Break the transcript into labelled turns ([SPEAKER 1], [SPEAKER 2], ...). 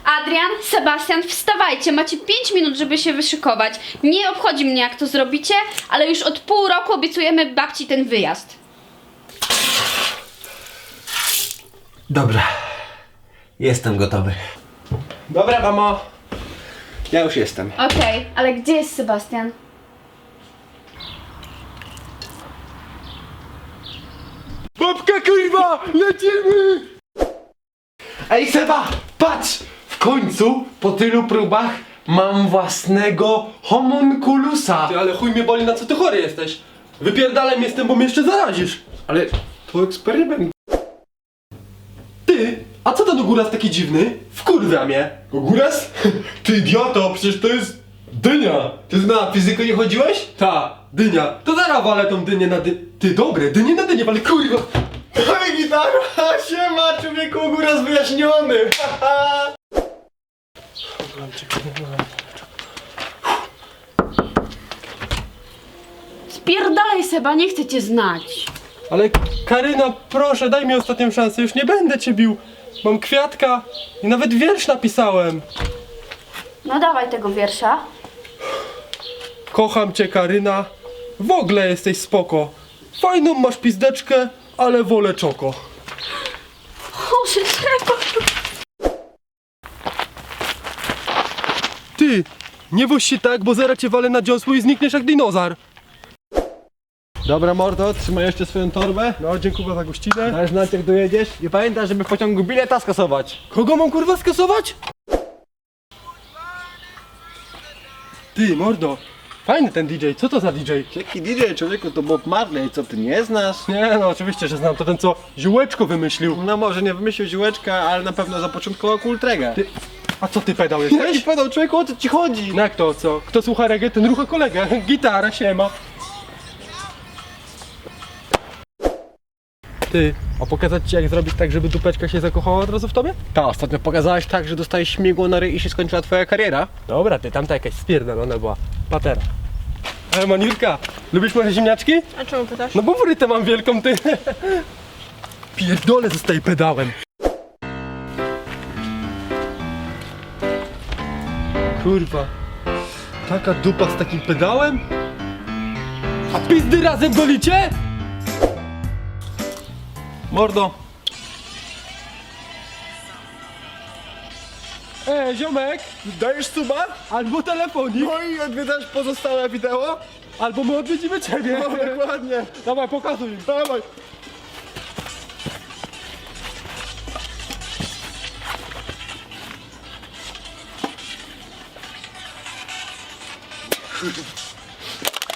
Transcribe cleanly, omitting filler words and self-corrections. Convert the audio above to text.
[SPEAKER 1] Adrian, Sebastian, wstawajcie, macie 5 minut, żeby się wyszykować. Nie obchodzi mnie, jak to zrobicie, ale już od pół roku obiecujemy babci ten wyjazd.
[SPEAKER 2] Dobra. Jestem gotowy. Dobra, mamo. Ja już jestem.
[SPEAKER 1] Okej, ale gdzie jest Sebastian?
[SPEAKER 2] Babka, kurwa! Lecimy! Ej, Seba! Patrz! W końcu, po tylu próbach, mam własnego homunculusa.
[SPEAKER 3] Ty, ale chuj mnie boli, na co ty chory jesteś? Wypierdalem jestem, bo mnie jeszcze zarazisz.
[SPEAKER 2] Ale to eksperyment.
[SPEAKER 3] Ty, a co ten góras taki dziwny? Wkurwia mnie.
[SPEAKER 2] Góras? Ty idioto, przecież to jest dynia. Ty na fizykę nie chodziłeś?
[SPEAKER 3] Ta, dynia. To zaraz walę tą dynię na Ty, dobre, dynię na dynię, ale kurwa.
[SPEAKER 2] Oj, gitara! Siema, człowieku, góras wyjaśniony!
[SPEAKER 1] Spierdalaj, Seba, nie chcę cię znać.
[SPEAKER 3] Ale Karyna, proszę, daj mi ostatnią szansę, już nie będę cię bił. Mam kwiatka i nawet wiersz napisałem.
[SPEAKER 1] No dawaj tego wiersza.
[SPEAKER 3] Kocham cię, Karyna. W ogóle jesteś spoko. Fajną masz pizdeczkę, ale wolę czoko.
[SPEAKER 1] Boże, Seba.
[SPEAKER 3] Ty, nie woź się tak, bo zaraz cię walę na dziąsło i znikniesz jak dinozaur.
[SPEAKER 2] Dobra, mordo, trzymaj jeszcze swoją torbę.
[SPEAKER 3] No, dziękuję za gościnę.
[SPEAKER 2] Daj znać, jak dojedziesz. I pamiętaj, żeby w pociągu bileta skasować.
[SPEAKER 3] Kogo mam kurwa skasować? Ty, mordo. Fajny ten DJ, co to za DJ?
[SPEAKER 2] Jaki DJ, człowieku, to Bob Marley, co ty nie znasz?
[SPEAKER 3] Nie no, oczywiście, że znam, to ten co ziółeczko wymyślił.
[SPEAKER 2] No może nie wymyślił ziółeczka, ale na pewno zapoczątkował Kultrega.
[SPEAKER 3] Ty, a co ty pedał
[SPEAKER 2] Jaki
[SPEAKER 3] jesteś?
[SPEAKER 2] pedał, człowieku, o co ci chodzi?
[SPEAKER 3] No jak to, co? Kto słucha reggae, ten rucha kolegę. Gitara, siema. Ty, a pokazać ci jak zrobić tak, żeby dupeczka się zakochała od razu w tobie?
[SPEAKER 2] Ta, ostatnio pokazałeś tak, że dostałeś śmigło na ryj i się skończyła twoja kariera.
[SPEAKER 3] Dobra, ty, tamta jakaś spierdolona była. Patera. Maniurka, lubisz moje ziemniaczki?
[SPEAKER 4] A czemu pytasz?
[SPEAKER 3] No bo wrytę mam wielką, ty. Pierdolę, zostaje pedałem. Kurwa. Taka dupa z takim pedałem? A pizdy razem golicie?
[SPEAKER 2] Mordo.
[SPEAKER 3] Ziomek,
[SPEAKER 2] Dajesz suba?
[SPEAKER 3] albo telefonik,
[SPEAKER 2] No i odwiedzasz pozostałe wideo?
[SPEAKER 3] albo my odwiedzimy ciebie.
[SPEAKER 2] No dokładnie.
[SPEAKER 3] Dawaj, pokazuj.
[SPEAKER 2] Dawaj.